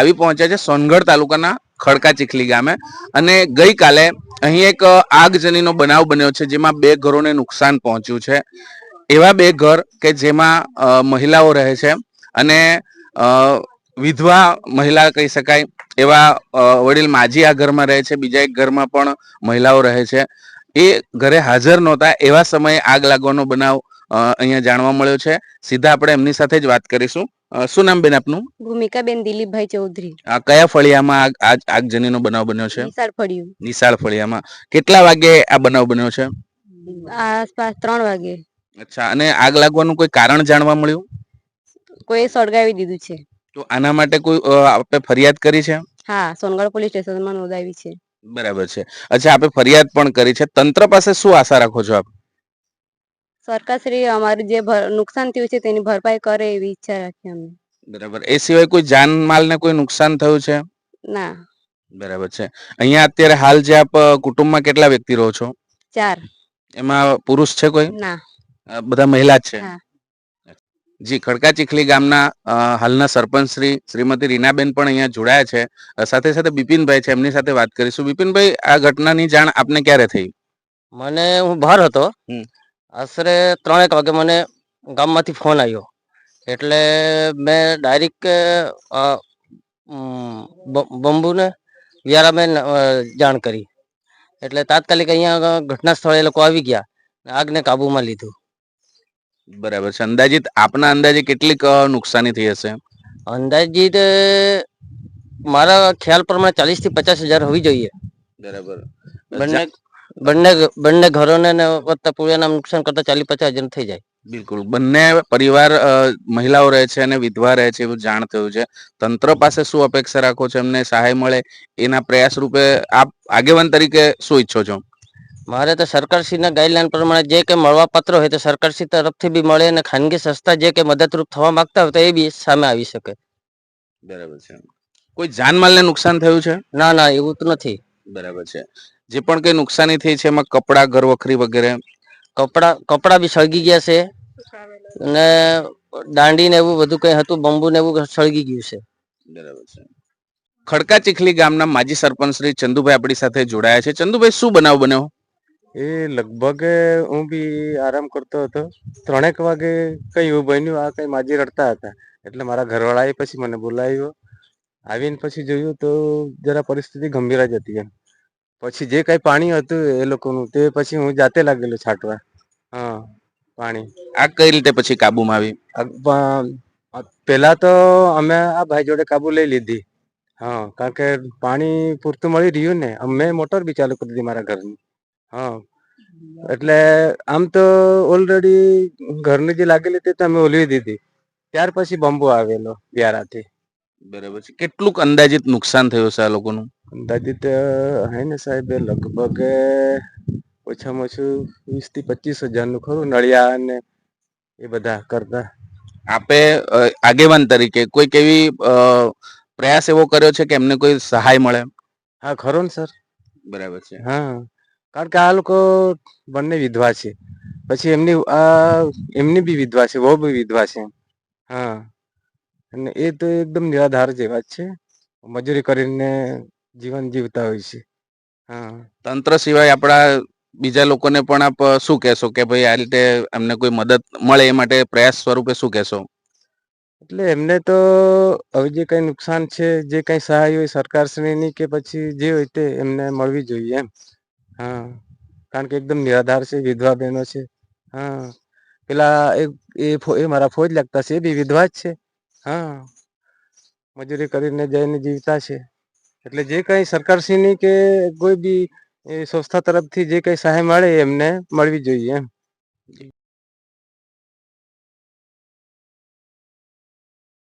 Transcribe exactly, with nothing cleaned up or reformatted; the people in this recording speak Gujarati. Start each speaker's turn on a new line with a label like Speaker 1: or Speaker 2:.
Speaker 1: આવી પહોંચ્યા છે સોનગઢ તાલુકાના ખડકા ચીખલી ગામે અને ગઈકાલે અહીં એક આગજનીનો બનાવ બન્યો છે જેમાં બે ઘરોને નુકસાન પહોંચ્યું છે। એવા બે ઘર કે જેમાં મહિલાઓ રહે છે અને વિધવા મહિલા કહી શકાય એવા વડીલ માજી આ ઘરમાં રહે છે, બીજા એક ઘરમાં પણ મહિલાઓ રહે છે। એ ઘરે હાજર નહોતા એવા સમયે આગ લાગવાનો બનાવ અહીંયા જાણવા મળ્યો છે। સીધા આપણે એમની સાથે જ વાત કરીશું। શું નામ બેન આપનું?
Speaker 2: ભૂમિકાબેન દિલીપભાઈ ચૌધરી।
Speaker 1: આ કયા ફળિયામાં આગ આગજનીનો બનાવ બન્યો છે?
Speaker 2: નિશાળ ફળિયું।
Speaker 1: નિશાળ ફળિયામાં કેટલા વાગે આ બનાવ બન્યો છે?
Speaker 2: આસપાસ ત્રણ વાગે।
Speaker 1: અચ્છા, અને આગ લાગવાનું કોઈ કારણ જાણવા મળ્યું?
Speaker 2: કોઈ સળગાવી દીધું છે।
Speaker 1: તો આના માટે કોઈ આપણે ફરિયાદ કરી છે?
Speaker 2: હા, સોનગઢ પોલીસ સ્ટેશનમાં નોંધાવી છે।
Speaker 1: બરાબર છે। અચ્છા, આપણે ફરિયાદ પણ કરી છે। તંત્ર પાસે શું આશા રાખો છો આપ?
Speaker 2: સરકારશ્રી અમારું જે નુકસાન થયું છે તેની ભરપાઈ કરે એવી ઈચ્છા રાખીએ અમે।
Speaker 1: બરાબર, એ સિવાય કોઈ જાનમાલ ને કોઈ નુકસાન થયું છે?
Speaker 2: ના।
Speaker 1: બરાબર છે। અહીંયા અત્યારે હાલ જે આપ કુટુંબમાં કેટલા વ્યક્તિ રહો છો?
Speaker 2: ચાર।
Speaker 1: એમાં પુરુષ છે કોઈ?
Speaker 2: ના,
Speaker 1: બધા મહિલા જ છે।
Speaker 2: હા।
Speaker 1: જી, ખડકા ચીખલી ગામના હાલના સરપંચ શ્રી શ્રીમતી રીનાબેન પણ અહીંયા જોડાયા છે। સાથે સાથે બિપિનભાઈ છે, એમની સાથે વાત કરીશું। બિપિનભાઈ, આ ઘટનાની જાણ આપને ક્યારે થઈ?
Speaker 3: મને હું બહાર હતો, આશરે ત્રણેક વાગે મને ગામમાંથી ફોન આવ્યો એટલે મેં ડાયરેક્ટ બંબુને વ્યારાબેન જાણ કરી એટલે તાત્કાલિક અહીંયા ઘટના સ્થળે એ લોકો આવી ગયા, આગને કાબુમાં લીધું।
Speaker 1: બરાબર છે। અંદાજિત આપના અંદાજે કેટલીક નુકસાની થઈ હશે?
Speaker 3: અંદાજિત મારા ખ્યાલ પ્રમાણે ચાલીસ થી પચાસ હજાર હોવી જોઈએ।
Speaker 1: બરાબર।
Speaker 3: બંને બંને બંને ઘરોને વત્તા પૂર્યાના નુકસાન કરતા ચાલીસ પચાસ હજાર થઈ જાય।
Speaker 1: બિલકુલ, બંને પરિવાર મહિલાઓ રહે છે અને વિધવા રહે છે એવું જાણ થયું છે। તંત્ર પાસે શું અપેક્ષા રાખો છો? એમને સહાય મળે એના પ્રયાસ રૂપે આપ આગેવાન તરીકે શું ઈચ્છો છો?
Speaker 3: મારે તો સરકારશ્રીના ગાઈડલાઈન પ્રમાણે જે કે મળવા પાત્ર હોય તો સરકારશ્રી તરફથી બી મળે અને ખાનગી સંસ્થા જે કે મદદરૂપ થવા માંગતા હોય તો એ બી સામે આવી શકે।
Speaker 1: બરાબર છે। કોઈ જાનમાલને નુકસાન થયું છે?
Speaker 3: ના ના, એવું તો નથી।
Speaker 1: બરાબર છે। જે પણ કઈ નુકસાની થઈ છે એમાં કપડા, ઘર વખરી વગેરે?
Speaker 3: કપડા કપડા બી સળગી ગયા છે અને દાંડી ને એવું બધું કઈ હતું, બંબુ ને એવું સળગી ગયું છે।
Speaker 1: બરાબર છે। ખડકા ચીખલી ગામના માજી સરપંચ શ્રી ચંદુભાઈ આપણી સાથે જોડાયા છે। ચંદુભાઈ, શું બનાવ બન્યો?
Speaker 4: એ લગભગ હું બી આરામ કરતો હતો, ત્રણેક વાગે કઈ એવું બન્યું, આ કઈ માજી રડતા હતા એટલે મારા ઘરવાળાએ પછી મને બોલાવ્યો। આવીને પછી જોયું તો જરા પરિસ્થિતિ ગંભીર જ હતી એમ। પછી જે કઈ પાણી હતું એ લોકોનું તે પછી હું જાતે લાગેલો છાંટવા। હા, પાણી
Speaker 1: આગ કઈ રીતે પછી કાબુમાં આવી?
Speaker 4: પેલા તો અમે આ ભાઈ જોડે કાબુ લઈ લીધી। હા, કારણ કે પાણી પૂરતું મળી રહ્યું ને, મેં મોટર બી ચાલુ કરી દીધી મારા ઘરની। હા, એટલે આમ તો ઓલરેડી ઘરની જે લાગેલી તે તમે ઓલવી દીધી, ત્યાર પછી બંબો આવેલો વ્યારાથી।
Speaker 1: બરાબર છે। કેટલુંક અંદાજિત નુકસાન થયું છે આ લોકોનું?
Speaker 4: અંદાજિત હે ને સાહેબ, લગભગ ઓછામાં ઓછું વીસ થી પચીસ હજાર નું ખરું, નળિયા ને એ બધા કરતા।
Speaker 1: આપે આગેવાન તરીકે કોઈક એવી પ્રયાસ એવો કર્યો છે કે એમને કોઈ સહાય મળે?
Speaker 4: હા, ખરો ને સર।
Speaker 1: બરાબર છે।
Speaker 4: હા, કારણ કે આ લોકો બંને વિધવા છે, પછી એમની આ એમની બી વિધવા છે, વહુ બી વિધવા છે। હા, અને એ તો એકદમ નિરાધાર જેવા જ છે, મજૂરી કરીને જીવન જીવતા હોય છે। હા,
Speaker 1: તંત્ર સિવાય આપણા બીજા લોકોને પણ આપ શું કહેશો કે ભાઈ આ રીતે એમને કોઈ મદદ મળે એ માટે પ્રયાસ સ્વરૂપે શું કહેશો?
Speaker 4: એટલે એમને તો હવે જે કઈ નુકસાન છે, જે કઈ સહાય હોય સરકારશ્રીની કે પછી જે હોય તે એમને મળવી જોઈએ એમ। હા, કારણ કે એકદમ નિરાધાર છે, વિધવા બહેનો છે। હા, પેલા એ મારા ફોજ લાગતા છે, એ બી વિધવા જ છે। હા, મજૂરી કરીને જઈને જીવતા છે, એટલે જે કઈ સરકારશ્રીની કે કોઈ બી એ સંસ્થા તરફથી જે કઈ સહાય મળે એમને મળવી જોઈએ એમ।